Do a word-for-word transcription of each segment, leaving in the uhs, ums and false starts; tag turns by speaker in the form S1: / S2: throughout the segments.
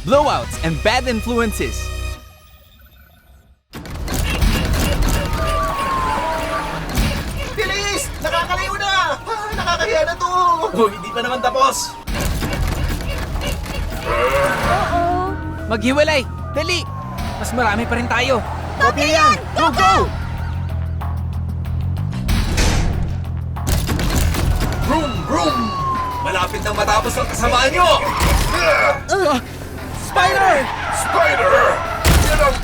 S1: blowouts, and bad influences.
S2: Bilis! Nakakalayo na! Ah, nakakahiya na to!
S3: Oh, hindi pa naman tapos!
S1: Maghiwalay! Dali! Mas marami pa rin tayo.
S2: Copy yan! Go, go!
S3: Vroom, vroom! Malapit nang matapos ang kasamaan nyo!
S1: Spider!
S3: Spider! Yan ang...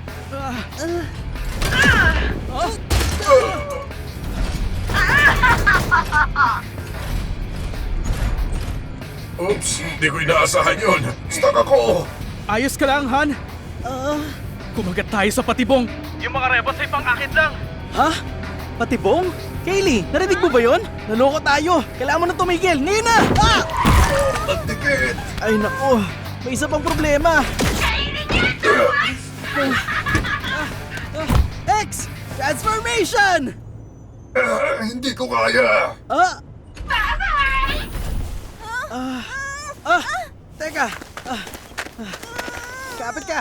S3: Oops, hindi ko inaasahan yun. Stuck ako!
S4: Ayos ka lang, Han? Kumagat tayo sa patibong. Yung mga rebels ay pang-akit lang. Ha? Patibong? Kaylee, narinig mo ba yun? Naloko tayo. Kailangan mo na tumigil. Ngayon na! Ah!
S3: Ang dikit!
S4: Ay naku, may isa pang problema. X! Transformation!
S3: Ah, hindi ko kaya!
S4: Ah! Ah! Ah! Teka! Ah! Ah! Kapit ka!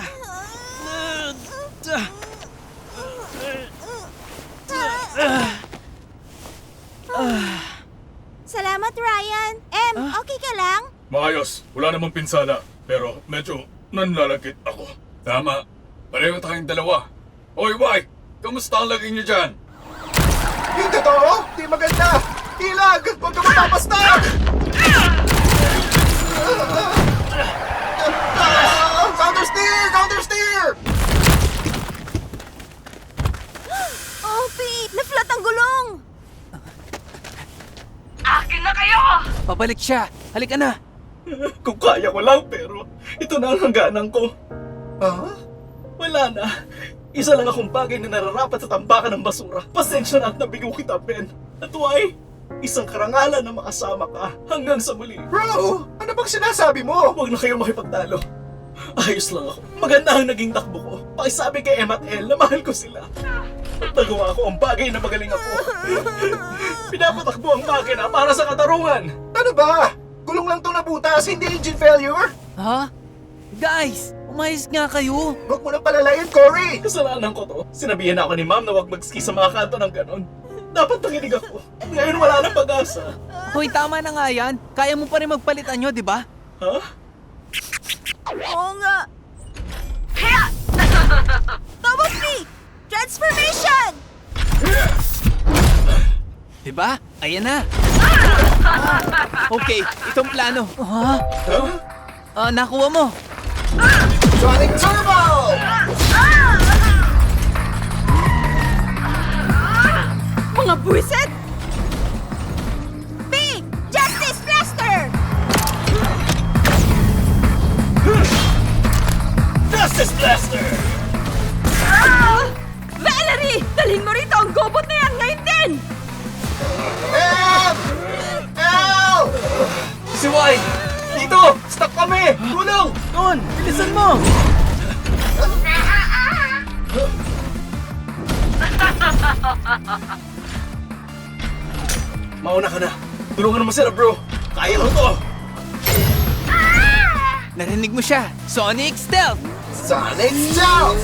S5: Salamat, Ryan. Em, okay ka lang?
S3: Maayos, wala namang pinsala. Pero medyo nanlalagkit ako. Tama, pareho tayong dalawa. Oy, White! Kamusta ang laging niyo dyan?
S2: Yung totoo? Di maganda! Ilag! Huwag ka mapapasta! Counter steer! Counter steer!
S5: Oh, Pete! Na-flat ang gulong!
S1: Pabalik siya. Halika na.
S3: Kung kaya ko lang, pero ito na ang hangganan ko.
S2: Ah?
S3: Wala na. Isa lang akong bagay na nararapat sa tambakan ng basura. Pasensya na at nabigo kita, Ben. At why? Isang karangalan na makasama ka hanggang sa muli.
S2: Bro! Ano bang sinasabi mo?
S3: Huwag na kayo makipagtalo. Ayos lang ako. Maganda ang naging takbo ko. Pakisabi kay Em at El na mahal ko sila. At nagawa ko ang bagay na magaling ako. Pinapatakbo ang makina para sa katarungan.
S2: Ano ba? Gulong lang tong nabutas, hindi engine failure?
S1: Ha? Guys, umayos nga kayo.
S2: Huwag mo nang palalayin, Cory!
S3: Kasalanan ko to. Sinabihan ako ni Ma'am na huwag mag-ski sa mga kanto ng ganon. Dapat nakinig ako. Ngayon wala nang pag-asa.
S1: Hoy, tama na nga yan. Kaya mo pa rin magpalitan nyo, di ba?
S3: Ha?
S5: Oo nga. Double P! Transformation!
S1: Di ba? Ayan na. Okay, itong plano. Ha? Ah, nakuha mo.
S2: Sonic Turbo!
S5: Mga buwisit! P! Justice Blaster!
S3: Justice Blaster!
S5: Valerie! Dalhin mo rito ang gobot na yan ngayon din!
S2: Help! Help!
S3: Si White! Dito! Stuck kami! Tulong!
S4: Doon! Bilisan mo!
S3: Mauna ka na. Tulungan mo sila, bro. Kaya mo to.
S1: Narinig mo siya. Sonic Stealth!
S2: Sonic Stealth!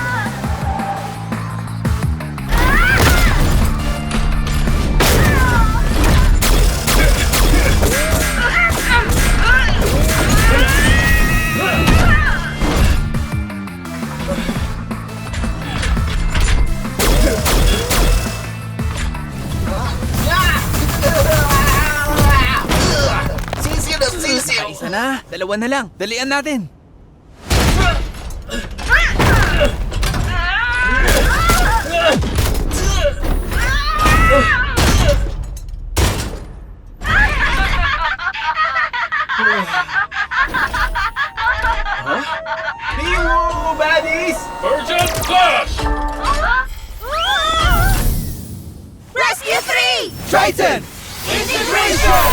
S2: Sisiyo na sisiyo!
S1: Isa na. Dalawa na lang. Dalian natin.
S3: Hero baddies! Urgent flash!
S5: Rescue three!
S1: Triton!
S5: Integration!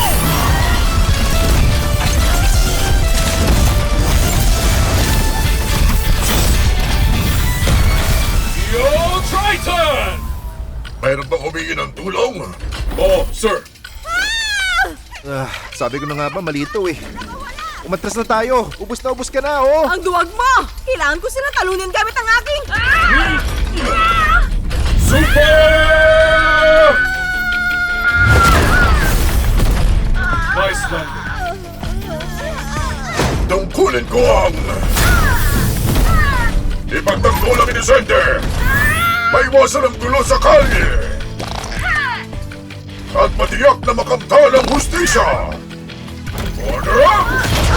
S3: Yo, Triton!
S6: Mayroon bang humingi ng tulong?
S3: Oh, sir.
S2: Ah, sabi ko na nga ba, mali ito eh. Umatras na tayo. Ubus na ubus ka na, oh.
S5: Ang duwag mo! Kailangan ko silang talunin gamit ang aking... Ah!
S3: Nice landing.
S6: Tungkulin ko ang... Ipagtanggol ang inisente! Maiwasan ang gulo sa kalye! At matiyak na makamtal ang hustisya! Order up!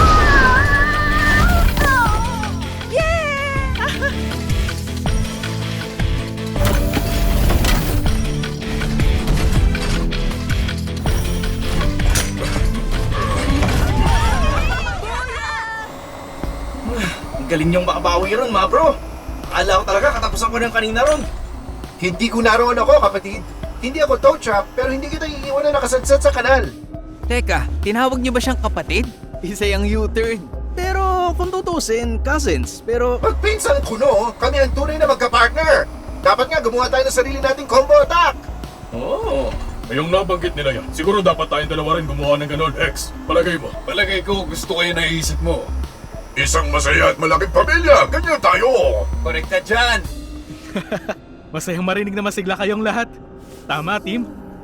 S3: Ang galing niyong makabawi ron, mga bro. Akala ko talaga katapusan ko ng kanina ron.
S2: Hindi ko naroon ako, kapatid. Hindi ako tow trap, pero hindi kita iiwan na nakasadsad sa kanal.
S1: Teka, tinawag niyo ba siyang kapatid? Isa yung U-turn.
S4: Pero kung tutusin, cousins. Pero
S2: Pagpinsan ko, no, kami ang tunay na magka-partner. Dapat nga gumawa tayo ng sarili nating combo attack.
S3: Oo.
S6: Ngayong nabanggit nila yan, siguro dapat tayong dalawa rin gumawa ng ganon, X. Palagay mo?
S7: Palagay ko gusto ko yung naiisip mo.
S6: Isang masaya at malaking pamilya, ganyan tayo!
S7: Correct ka dyan!
S4: masayang marinig na masigla kayong lahat. Tama, team?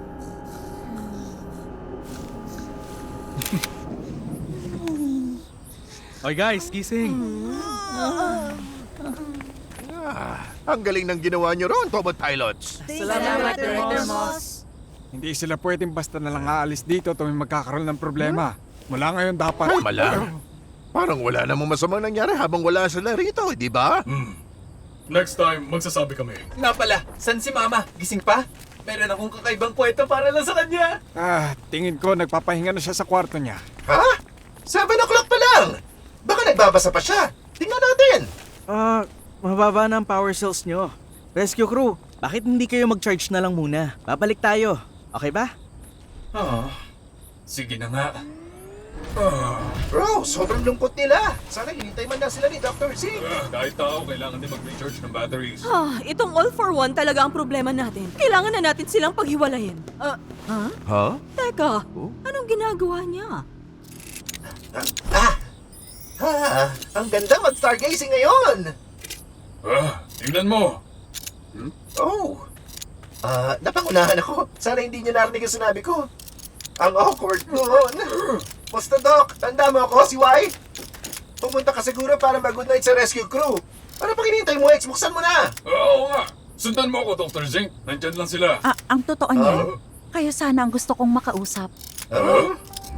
S4: Okay guys, gising.
S2: Ang galing ng ginawa nyo ron, Tobot Pilots.
S5: Salamat, Director Moss.
S8: Hindi sila pwedeng basta na lang aalis dito tuwing magkakaroon ng problema. Mula ngayon dapat...
S2: Mala. Parang wala namang masamang nangyari habang wala sila rito, di ba?
S6: Next time, magsasabi kami.
S7: Nga pala, san si Mama? Gising pa? Meron akong kakaibang kwento para lang sa kanya.
S8: Ah, tingin ko nagpapahinga na siya sa kwarto niya.
S2: Ha? Seven o'clock pa lang. Baka nagbabasa pa siya. Tingnan natin.
S4: Ah, mababa na ang power cells nyo. Rescue crew, bakit hindi kayo mag-charge na lang muna? Babalik tayo. Okay ba?
S7: Ah, sige na nga.
S2: Bro, sobrang lungkot nila. Sana hinintay man lang sila ni Doctor Zing.
S6: Ah, kahit tao, kailangan din mag-recharge ng batteries.
S5: Ah, itong all for one talaga ang problema natin. Kailangan na natin silang paghiwalayin. Ah, ha?
S2: Ha?
S5: Teka, anong ginagawa niya?
S2: Ah! Ha! Ang ganda mag-stargazing ngayon!
S6: Ah, tingnan mo!
S2: Oh! Ah, napangunahan ako. Sana hindi niyo narinig ang sinabi ko. Ang awkward noon. Basta Doc, tanda mo ako, si Y? Pumunta ka siguro para mag-good night sa rescue crew. Ano pang hinihintay mo, X? Buksan mo na!
S6: Oo nga! Sundan mo ako, Doctor Zink. Nandyan lang sila.
S9: Ah, ang totoo niyan, kayo sana ang gusto kong makausap.
S2: Ah?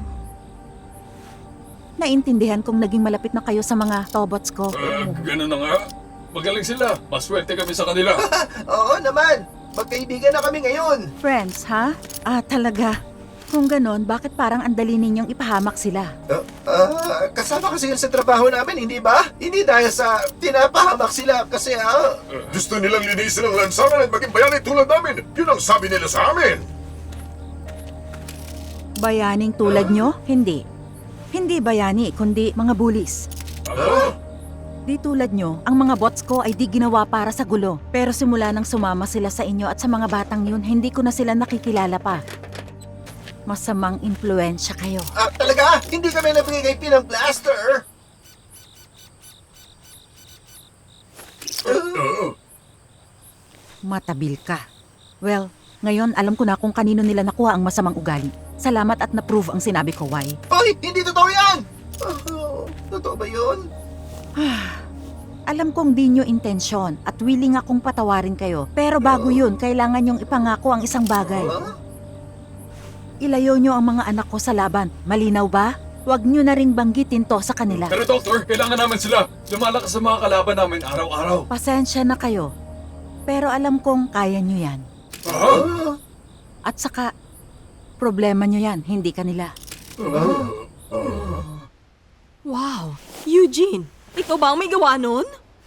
S9: Naintindihan kong naging malapit na kayo sa mga tobots ko.
S6: Ah, ganun na nga. Magaling sila. Maswerte kami sa kanila.
S2: Oo naman! Magkaibigan na kami ngayon!
S9: Friends, ha? Ah, talaga. Kung ganon, bakit parang ang dali ninyong ipahamak sila?
S2: Ah, ah, kasama kasi yun sa trabaho namin, hindi ba? Hindi dahil sa tinapahamak sila kasi ah...
S6: Gusto nilang linisin ang lansangan at maging bayani tulad namin. Yun ang sabi nila sa amin.
S9: Bayaning tulad nyo? Hindi. Hindi bayani, kundi mga bullies.
S6: Ah?
S9: Di tulad nyo, ang mga bots ko ay di ginawa para sa gulo. Pero simula nang sumama sila sa inyo at sa mga batang yun, hindi ko na sila nakikilala pa. Masamang impluensya kayo.
S2: Ah, talaga? Hindi kami nabigay kay Pinang Blaster!
S6: Ah,
S9: Matabil ka. Well, ngayon alam ko na kung kanino nila nakuha ang masamang ugali. Salamat at na-prove ang sinabi ko, Wai.
S2: Hoy! Hindi totoo yan! Oh, totoo ba yun?
S9: Alam kong di nyo intensyon at willing akong patawarin kayo. Pero bago yun, kailangan nyong ipangako ang isang bagay.
S2: Huh?
S9: Ilayo nyo ang mga anak ko sa laban. Malinaw ba? Huwag nyo na ring banggitin to sa kanila.
S6: Pero Doctor, kailangan namin sila. Lumalakas sa mga kalaban namin araw-araw.
S9: Pasensya na kayo. Pero alam kong kaya nyo yan.
S6: Ah?
S9: At saka, problema nyo yan, hindi kanila.
S5: Wow! Eugene, ikaw ba ang may gawa nun?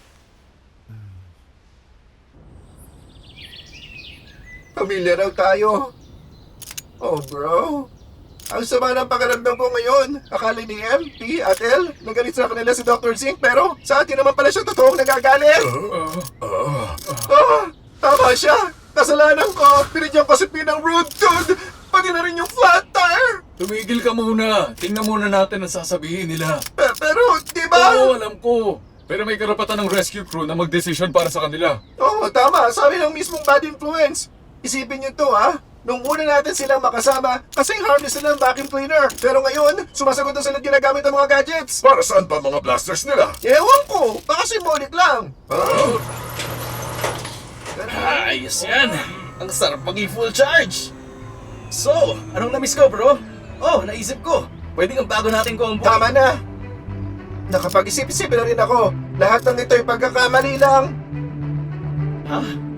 S2: Pamilya raw tayo. Oh, bro. Ang sama ng pakiramdam ko ngayon. Akala ni M, P, at L, nagalit sa kanila si Doctor Zink, pero sa atin naman pala siya totoong nagagalit. Ah, tama siya. Kasalanan ko. Pinigyan ko si P ng rude dude. Pati na rin yung flat tire.
S7: Tumigil ka muna. Tingnan muna natin ang sasabihin nila.
S2: Pe- pero, di ba?
S7: Oo, alam ko. Pero may karapatan ng rescue crew na magdesisyon para sa kanila.
S2: Oo, tama. Sabi ng mismong bad influence. Isipin niyo to, ha? Nung una natin silang makasama, kasing harmless sila ng vacuum cleaner. Pero ngayon, sumasagot na sila ginagamit ang mga gadgets.
S6: Para saan pa mga blasters nila?
S2: Ewan ko, baka symbolic lang.
S3: Ayos yan! Ang sarap maging full charge! So, anong na-miss ko, bro? Oh, naisip ko. Pwede ang bago nating combo.
S2: Tama na. Nakapag-isip-isip na rin ako. Lahat ng ito'y pagkakamali lang.
S3: Ha?